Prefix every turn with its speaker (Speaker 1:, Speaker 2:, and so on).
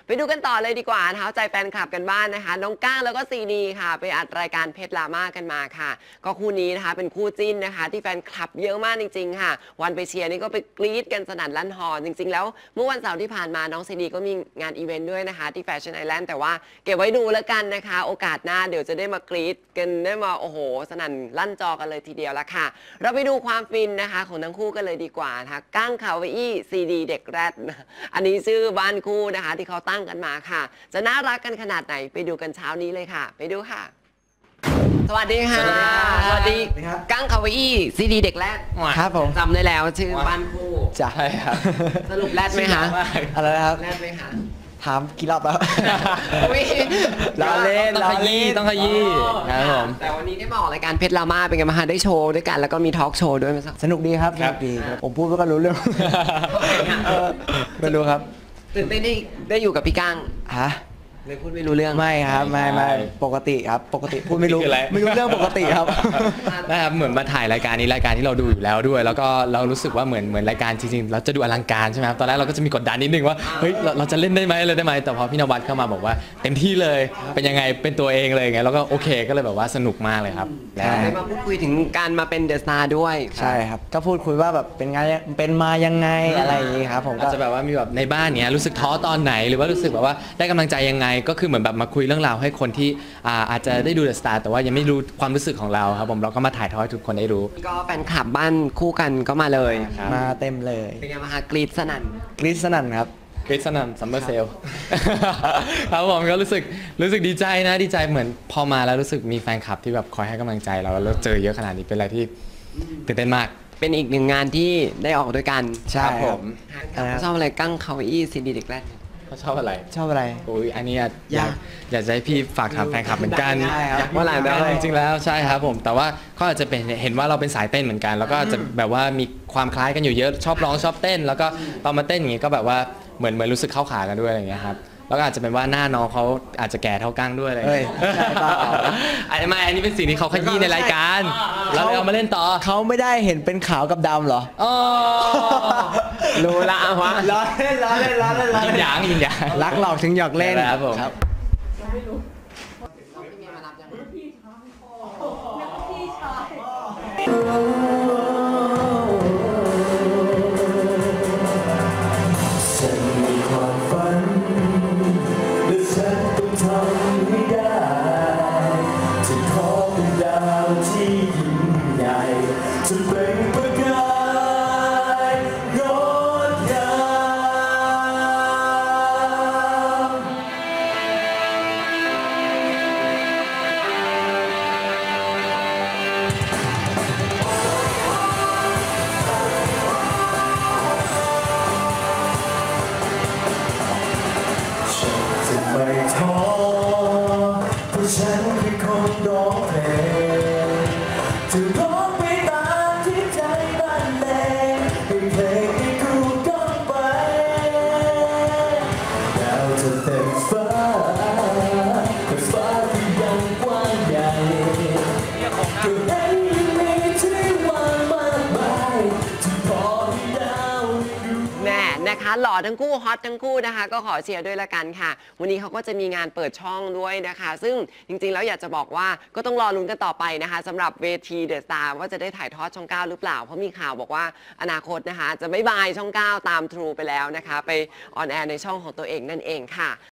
Speaker 1: ไปดูกันต่อเลยดีกว่านะคะใจแฟนคลับกันบ้านนะคะน้องก้างแล้วก็ซีดีค่ะไปอัดรายการเพชรลาม่ากันมาค่ะก็คู่นี้นะคะเป็นคู่จิ้นนะคะที่แฟนคลับเยอะมากจริงๆค่ะวันไปเชียร์นี่ก็ไปกรี๊ดกันสนั่นลั่นฮอจริงๆแล้วเมื่อวันเสาร์ที่ผ่านมาน้องซีดีก็มีงานอีเวนต์ด้วยนะคะที่แฟชั่นไอแลนด์แต่ว่าเก็บไว้ดูแล้วกันนะคะโอกาสหน้าเดี๋ยวจะได้มากรี๊ดกันได้มาโอ้โหสนั่นลั่นจอกันเลยทีเดียวละค่ะเราไปดูความฟินนะคะของทั้งคู่กันเลยดีกว่านะคะก้างคาวอี้ซีดีเด็กแรดอันนี้ชื่อบ้านคู่นะคะที่เขาตั้งกันมาค่ะจะน่ารักกันขนาดไหนไปดูกันเช้านี้เลยค่ะไปดูค่ะสวัสดีค่ะสวัสดีก้างคาวอี้ซีดีเด็กแรด
Speaker 2: ครับผม
Speaker 1: จำได้แล้วชื่อบ้านคู่
Speaker 2: ใช่ครับ
Speaker 1: สรุปแรดไหมคะ
Speaker 2: อะไรนะครับ
Speaker 1: แรดไหมคะ
Speaker 2: ถามกี่รอบแล้ว
Speaker 1: เรา
Speaker 2: เล่น
Speaker 3: ต้องขยี้ครับผม
Speaker 1: แต่วันนี้ได้มาออกรายการเพชรลาม่าเป็นไงบ้างคะได้โชว์ด้วยกันแล้วก็มีทอล์กโชว์ด้วยมั้ย
Speaker 2: สนุกดีครับสนุกดีผมพูดไม่ก็รู้เรื่องไม่รู้ครับ
Speaker 1: ตื่นเต้นได้อยู่กับพี่ก้าง
Speaker 2: ฮะ
Speaker 1: เลยพูดไม่รู้เรื่อง
Speaker 2: ไม่ครับไม่ปกติครับปกติพูดไม่รู้เรื่องปกติครับ
Speaker 3: นะครับเหมือนมาถ่ายรายการนี้รายการที่เราดูอยู่แล้วด้วยแล้วก็เรารู้สึกว่าเหมือนรายการจริงๆเราจะดูอลังการใช่ไหมครับตอนแรกเราก็จะมีกดดันนิดนึงว่าเฮ้ยเราจะเล่นได้ไหมเลยได้ไหมแต่พอพี่นวัดเข้ามาบอกว่าเต็มที่เลยเป็นยังไงเป็นตัวเองเลยไงแล้วก็โอเคก็เลยแบบว่าสนุกมากเลยครับ
Speaker 1: ได้มาพูดคุยถึงการมาเป็นเดอะสตาร์ด้วย
Speaker 2: ใช่ครับก็พูดคุยว่าแบบเป็นไงเป็นมายังไงอะไรอย่างนี้ครับผม
Speaker 3: ก็จะแบบว่ามีแบบในบ้านเนี้ยรู้สึกท้อตอนไหนหรือว่ารู้สึกแบบว่าได้กำลังใจยังไงก็คือเหมือนแบบมาคุยเรื่องราวให้คนที่อาจจะได้ดูเดอะสตาร์แต่ว่ายังไม่รู้ความรู้สึกของเราครับผมเราก็มาถ่ายทอดให้ทุกคนได้รู้
Speaker 1: ก็แฟนคลับบ้านคู่กันก็มาเลย
Speaker 2: มาเต็มเลย
Speaker 1: เป็นไงบ้างคะกรี๊ดสนั่น
Speaker 2: ครับ
Speaker 3: กรี๊ดสนั่นซัมเมอร์เซลครับผมก็รู้สึกดีใจนะดีใจเหมือนพอมาแล้วรู้สึกมีแฟนคลับที่แบบคอยให้กำลังใจเราแล้วเจอเยอะขนาดนี้เป็นอะไรที่ตื่นเต้นมาก
Speaker 1: เป็นอีกหนึ่งงานที่ได้ออกด้วยกัน
Speaker 2: ใช่ครับผม
Speaker 1: ชอบอะไรกั้งคาวอี้ซีดีเด็กแรก
Speaker 3: เขาชอบอะไร
Speaker 2: โอ้
Speaker 3: ยอันนี้อยากจะให้พี่ฝากถามแฟนคลับเหมือนกัน
Speaker 1: ว่าอะไร
Speaker 3: จริงๆแล้วใช่ครับผมแต่ว่าก็อาจจะเป็นเห็นว่าเราเป็นสายเต้นเหมือนกันแล้วก็จะแบบว่ามีความคล้ายกันอยู่เยอะชอบร้องชอบเต้นแล้วก็ตอนมาเต้นอย่างงี้ก็แบบว่าเหมือนรู้สึกเข้าขากันด้วยอะไรอย่างเงี้ยครับแล้วก็อาจจะเป็นว่าหน้าน้องเขาอาจจะแก่เท่ากั้งด้วยอะไรอันนี้เป็นสิ่งที่เขาขยี้ในรายการเราเอามาเล่นต่อ
Speaker 2: เขาไม่ได้เห็นเป็นขาวกับดำเหรอ
Speaker 1: รู้ละวะ
Speaker 2: ล้อเล่น
Speaker 3: ยิงหยาง
Speaker 2: รักหลอกถึงหยอกเล่น
Speaker 3: ครับผม
Speaker 4: ไม่ท้อเพราะฉันคือคนร้องเพลงจะร้องไปตามที่ใจบันเลงให้เพลงที่กูก้องไปดาวจะเต็มฟ้าแต่ฟ้าที่ยังกว้างใหญ่ก็ให้มีที่ว่างมากมายที่พอให้ดาวดู
Speaker 1: แน่นะคะหล่อทั้งคู่ฮอตทั้งคู่นะคะก็ขอเชียร์ด้วยละกันค่ะวันนี้เขาก็จะมีงานเปิดช่องด้วยนะคะซึ่งจริงๆแล้วอยากจะบอกว่าก็ต้องรอลุ้นกันต่อไปนะคะสำหรับเวทีเดอะสตาร์ว่าจะได้ถ่ายทอดช่อง 9หรือเปล่าเพราะมีข่าวบอกว่าอนาคตนะคะจะไม่บายช่อง 9ตาม True ไปแล้วนะคะไปออนแอร์ในช่องของตัวเองนั่นเองค่ะ